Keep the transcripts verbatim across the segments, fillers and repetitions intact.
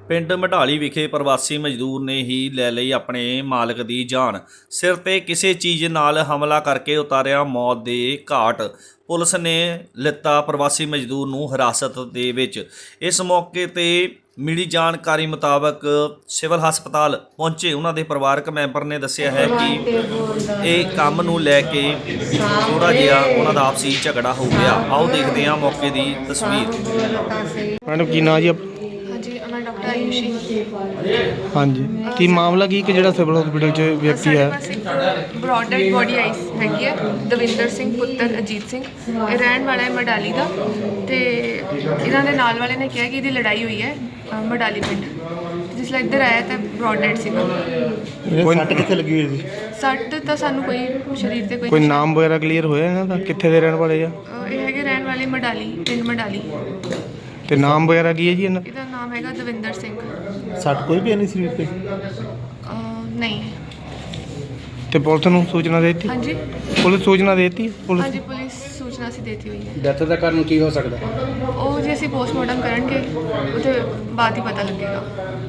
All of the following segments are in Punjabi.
ਪਿੰਡ ਮਢਾਲੀ ਵਿਖੇ ਪ੍ਰਵਾਸੀ ਮਜ਼ਦੂਰ ਨੇ ਹੀ ਲੈ ਲਈ ਆਪਣੇ ਮਾਲਕ ਦੀ ਜਾਨ। ਸਿਰ ਤੇ ਕਿਸੇ ਚੀਜ਼ ਨਾਲ ਹਮਲਾ ਕਰਕੇ ਉਤਾਰਿਆ ਮੌਤ ਦੇ ਘਾਟ। ਪੁਲਿਸ ਨੇ ਲਿੱਤਾ ਪ੍ਰਵਾਸੀ ਮਜ਼ਦੂਰ ਨੂੰ ਹਿਰਾਸਤ ਦੇ ਵਿੱਚ। ਇਸ ਮੌਕੇ ਤੇ ਮਿਲੀ ਜਾਣਕਾਰੀ ਮੁਤਾਬਕ ਸਿਵਲ ਹਸਪਤਾਲ ਪਹੁੰਚੇ ਉਹਨਾਂ ਦੇ ਪਰਿਵਾਰਕ ਮੈਂਬਰ ਨੇ ਦੱਸਿਆ ਹੈ ਕਿ ਇਹ ਕੰਮ ਨੂੰ ਲੈ ਕੇ ਥੋੜਾ ਜਿਹਾ ਉਹਨਾਂ ਦਾ ਆਪਸੀ ਝਗੜਾ ਹੋ ਗਿਆ। ਆਓ ਦੇਖਦੇ ਹਾਂ ਮੌਕੇ ਦੀ ਤਸਵੀਰ। ਮੈਡਮ ਕੀ ਨਾਂ ਜੀ? ਹਾਂਜੀ ਮੈਂ ਡਾਕਟਰ ਆਯੂਸ਼ੀ। ਹਾਂਜੀ, ਕੀ ਮਾਮਲਾ ਕੀ ਕਿ ਜਿਹੜਾ ਸਿਵਲ ਹਸਪੀਟਲ 'ਚ ਵਿਅਕਤੀ ਸਾਡੇ ਹੈ? ਪਾਸ ਇੱਕ ਬ੍ਰੌਡ ਡੈਡ ਬੋਡੀ ਆਈ ਹੈਗੀ ਹੈ, ਦਵਿੰਦਰ ਸਿੰਘ ਪੁੱਤਰ ਅਜੀਤ ਸਿੰਘ। ਇਹ ਰਹਿਣ ਵਾਲਾ ਹੈ ਮਡਾਲੀ ਦਾ, ਤੇ ਇਹਨਾਂ ਦੇ ਨਾਲ ਵਾਲੇ ਨੇ ਕਿਹਾ ਕਿ ਇਹਦੀ ਲੜਾਈ ਹੋਈ ਹੈ ਅ, ਮਡਾਲੀ ਪਿੰਡ। ਜਿਸ ਲਈ ਇੱਧਰ ਆਇਆ ਤਾਂ ਬ੍ਰੌਡ ਡੈਡ ਸੀਗਾ। ਕੋਈ ਸੱਟ ਕਿੱਥੇ ਲੱਗੀ ਹੋਈ ਸੀ? ਸੱਟ ਤਾਂ ਸਾਨੂੰ ਕੋਈ ਸਰੀਰ ਤੇ ਕੋਈ ਕੋਈ ਨਾਮ ਵਗੈਰਾ ਕਲੀਅਰ ਹੋਇਆ ਇਹਨਾਂ ਦਾ? ਕਿੱਥੇ ਦੇ ਰਹਿਣ ਵਾਲੇ ਆ? ਅ, ਇਹ ਹੈਗੇ ਰਹਿਣ ਵਾਲੇ ਮਡਾਲੀ ਪਿੰਡ ਮਡਾਲੀ। ਤੇ ਨਾਮ ਵਗੈਰਾ ਕੀ ਹੈ ਜੀ ਇਹਨਾਂ? ਇਹਦਾ ਨਾਮ ਹੈਗਾ ਦਵਿੰਦਰ ਸਿੰਘ। ਸੱਟ ਕੋਈ ਵੀ ਨਹੀਂ ਸਰੀਰ ਤੇ? ਅ, ਨਹੀਂ। ਤੇ ਪੁਲਿਸ ਨੂੰ ਸੂਚਨਾ ਦੇ ਦਿੱਤੀ? ਹਾਂਜੀ ਪੁਲਿਸ ਸੂਚਨਾ ਦੇ ਦਿੱਤੀ? ਪੁਲਿਸ ਹਾਂਜੀ ਪੁਲਿਸ ਸੂਚਨਾ ਅਸੀਂ ਦੇਤੀ ਹੋਈ ਹੈ। ਡੈਥ ਦਾ ਕਾਰਨ ਕੀ ਹੋ ਸਕਦਾ? ਉਹ ਜੇ ਅਸੀਂ ਪੋਸਟਮਾਰਟਮ ਕਰਨਗੇ ਉਹਦੇ ਬਾਅਦ ਹੀ ਪਤਾ ਲੱਗੇਗਾ।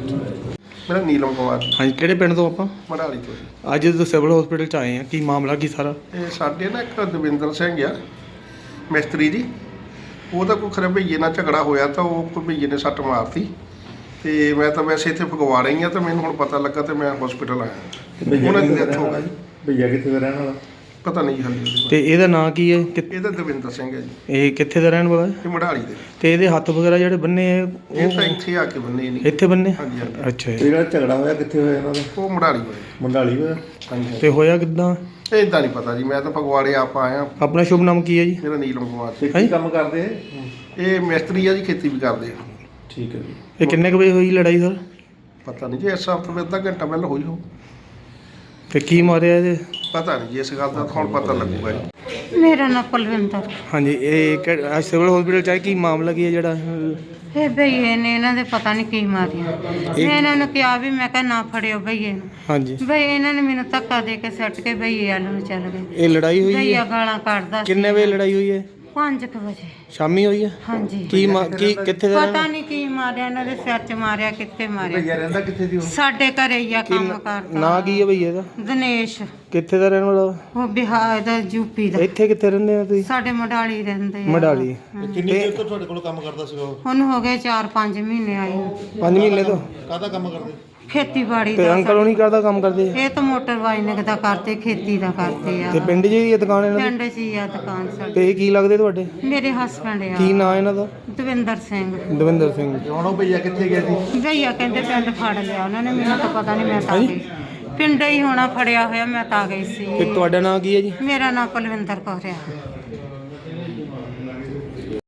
ਮੇਰਾ ਨੀਲਮ ਕੁਮਾਰ ਹਾਂਜੀ, ਕਿਹੜੇ ਪਿੰਡ ਤੋਂ ਆਪਾਂ? ਮੜਾਲੀ ਤੋਂ ਜੀ। ਅੱਜ ਜਦੋਂ ਸਿਵਲ ਹਸਪੀਟਲ 'ਚ ਆਏ ਆ, ਕੀ ਮਾਮਲਾ ਕੀ ਸਾਰਾ? ਇਹ ਸਾਡੇ ਨਾ ਇੱਕ ਦਵਿੰਦਰ ਸਿੰਘ ਆ ਮਿਸਤਰੀ ਜੀ, ਉਹਦਾ ਕੋਈ ਖਰੇ ਭਈਏ ਨਾਲ ਝਗੜਾ ਹੋਇਆ ਤਾਂ ਉਹ ਕੋਈ ਭਈਏ ਨੇ ਸੱਟ ਮਾਰਤੀ। ਤੇ ਮੈਂ ਤਾਂ ਵੈਸੇ ਇੱਥੇ ਫਗਵਾ ਰਹੀ ਹਾਂ ਤਾਂ ਮੈਨੂੰ ਹੁਣ ਪਤਾ ਲੱਗਾ ਤੇ ਮੈਂ ਹਸਪੀਟਲ ਆਇਆ। ਉਹਨਾਂ ਦੀ ਡੈਥ ਹੋ ਗਈ। ਭਈਆ ਕਿੱਥੇ ਦਾ ਰਹਿਣ ਵਾਲਾ? ਪਤਾ ਨਹੀਂ ਜੀ ਹਾਲੇ। ਤੇ ਇਹਦਾ ਨਾਂ ਕੀ ਹੈ? ਕਿ- ਇਹਦਾ ਦਵਿੰਦਰ ਸਿੰਘ ਹੈ ਜੀ, ਇਹ ਕਿੱਥੇ ਦਾ ਰਹਿਣ ਵਾਲਾ ਹੈ? ਇਹ ਮੜਾਲੀ ਦੇ। ਤੇ ਇਹਦੇ ਹੱਥ ਵਗੈਰਾ ਜਿਹੜੇ ਬੰਨੇ ਆ ਇਹ ਉਹ ਤਾਂ ਇੱਥੇ ਆ ਕੇ ਬੰਨੇ ਨਹੀਂ। ਇੱਥੇ ਬੰਨੇ? ਹਾਂਜੀ ਹਾਂਜੀ, ਅੱਛਾ ਤੇ ਜੀ। ਜਿਹੜਾ ਝਗੜਾ ਹੋਇਆ ਕਿੱਥੇ ਹੋਇਆ ਇਹਨਾਂ ਦਾ? ਉਹ ਮੜਾਲੀ ਹੋਇਆ। ਮੰਡਾਲੀ ਹੋਇਆ? ਹਾਂਜੀ ਤੇ ਹੋਇਆ ਕਿੱਦਾਂ? ਇਹ ਇਦਾਂ ਨਹੀਂ ਪਤਾ ਜੀ, ਮੈਂ ਤਾਂ ਫਗਵਾੜੇ ਆਪ ਆਇਆ। ਆਪਣਾ ਸ਼ੁਭ ਨਾਮ ਕੀ ਹੈ ਜੀ? ਮੇਰਾ ਨੀਲਮ ਕੁਮਾਰ ਤੇ ਹੈਂ? ਕੀ ਕੰਮ ਕਰਦੇ ਇਹ? ਇਹ ਮਿਸਤਰੀ ਆ ਜੀ, ਖੇਤੀ ਵੀ ਕਰਦੇ ਆ। ਠੀਕ ਹੈ ਜੀ। ਇਹ ਕਿੰਨੇ ਕੁ ਵਜੇ ਹੋਈ ਲੜਾਈ ਸਰ? ਪਤਾ ਨਹੀਂ ਜੀ, ਇਸ ਹਫ਼ਤੇ ਵਿੱਚ ਅੱਧਾ ਘੰਟਾ ਪਹਿਲਾਂ ਹੋਈ ਹੋ। ਤੇ ਕੀ ਮਾਰਿਆ ਇਹਦੇ? ਪਤਾ ਨਹੀਂ ਜੀ, ਇਸ ਗੱਲ ਦਾ ਹੁਣ ਪਤਾ ਲੱਗੂਗਾ ਜੀ। ਮੇਰਾ ਨਾਮ ਪਲਵਿੰਦਰ। ਹਾਂਜੀ, ਇਹ ਕਿ- ਅੱਜ ਸਿਵਲ ਹਸਪੀਟਲ 'ਚ ਆਏ, ਕੀ ਮਾਮਲਾ ਕੀ ਹੈ ਜਿਹੜਾ? ਇਹ ਭਈਏ ਨੇ ਇਹਨਾਂ ਦੇ ਪਤਾ ਨਹੀਂ ਕੀ ਮਾਰਿਆ। ਮੈਂ ਇਹਨਾਂ ਨੂੰ ਕਿਹਾ ਵੀ ਮੈਂ ਕਿਹਾ ਨਾ ਫੜਿਓ ਭਈਏ ਨੂੰ। ਹਾਂਜੀ, ਭਈ ਇਹਨਾਂ ਨੇ ਮੈਨੂੰ ਧੱਕਾ ਦੇ ਕੇ ਸੱਟ ਕੇ ਭਈਏ ਵੱਲ ਨੂੰ ਚੱਲ ਗਏ। ਇਹ ਲੜਾਈ ਹੋਈ ਭਈਆ ਹੈ? ਗਾਲਾਂ ਕੱਢਦਾ ਸੀ। ਕਿੰਨੇ ਵਜੇ ਲੜਾਈ ਹੋਈ ਹੈ? ਪੰਜ ਕੁ ਵਜੇ। ਸ਼ਾਮੀ ਹੋਈ ਹੈ? ਹਾਂਜੀ, ਕੀ ਮਾ- ਕੀ ਕਿੱਥੇ ਦਾ ਪਤਾ ਰਹਿਣਾ? ਨਹੀਂ ਕੀ ਮਾਰਿਆ ਇਹਨਾਂ ਦੇ ਸਿਰ 'ਚ ਮਾਰਿਆ, ਕਿੱਥੇ ਭਈਆ ਮਾਰਿਆ। ਰਹਿੰਦਾ ਕਿੱਥੇ ਦੀ ਉਹ? ਸਾਡੇ ਘਰੇ ਹੀ ਆ ਕੀ ਕੰਮ ਨਾਂ ਕਰਦਾ। ਕੀ ਹੈ ਭਈਏ ਦਾ? ਦਿਨੇਸ਼। ਕਿੱਥੇ ਦਾ ਰਹਿਣ ਵਾਲਾ? ਉਹ ਬਿਹਾਰ ਦਾ, ਯੂਪੀ ਦਾ। ਇੱਥੇ ਕਿੱਥੇ ਰਹਿੰਦੇ ਆ ਤੁਸੀਂ? ਸਾਡੇ ਮਡਾਲੀ ਰਹਿੰਦੇ ਆ। ਮਡਾਲੀ। ਕਿੰਨੀ ਦੇਰ ਤੋਂ ਤੁਹਾਡੇ ਕੋਲ ਕੰਮ ਕਰਦਾ ਸੀਗਾ ਉਹ? ਹੁਣ ਹੋ ਗਏ ਚਾਰ ਪੰਜ ਮਹੀਨੇ ਆਏ ਨੂੰ। ਪੰਜ ਮਹੀਨੇ ਤੋਂ? ਕਾਹਦਾ ਕੰਮ ਕਰਦੇ? ਖੇਤੀਬਾੜੀ ਤੇ ਦਾ। ਅੰਕਲ ਉਹ ਨਹੀਂ ਕਰਦਾ ਕੰਮ ਕਰਦੇ? ਇਹ ਤਾਂ ਮੋਟਰ ਵਾਈਨਿੰਗ ਦਾ ਕਰਦੇ, ਖੇਤੀ ਦਾ ਕਰਦੇ ਆ। ਤੇ ਪਿੰਡ 'ਚ ਹੀ ਹੈ ਦੁਕਾਨ ਇਹਨਾਂ ਦੀ? ਪਿੰਡ 'ਚ ਹੀ ਆ ਦੁਕਾਨ ਸਾਡੀ। ਤੇ ਇਹ ਕੀ ਲੱਗਦੇ ਤੁਹਾਡੇ? ਮੇਰੇ ਹਸਬੰਡ ਆ ਕੀ ਨਾਂ ਇਹਨਾਂ ਦਾ? ਦਵਿੰਦਰ ਸਿੰਘ। ਦਵਿੰਦਰ ਸਿੰਘ। ਤੇ ਹੁਣ ਉਹ ਭਈਆ ਕਿੱਥੇ ਗਿਆ ਸੀ? ਭਈਆ ਕਹਿੰਦੇ ਪਿੰਡ ਫੜ ਲਿਆ ਉਹਨਾਂ ਨੇ, ਮੈਨੂੰ ਤਾਂ ਪਤਾ ਨਹੀਂ, ਮੈਂ ਤਾਂ ਆ ਗਈ। ਪਿੰਡ ਹੀ ਹੋਣਾ ਫੜਿਆ ਹੋਇਆ, ਮੈਂ ਤਾਂ ਆ ਗਈ ਤੇ ਸੀ। ਤੁਹਾਡਾ ਨਾਂ ਕੀ ਹੈ ਜੀ? ਮੇਰਾ ਨਾਮ ਪਲਵਿੰਦਰ ਕੌਰ ਆ।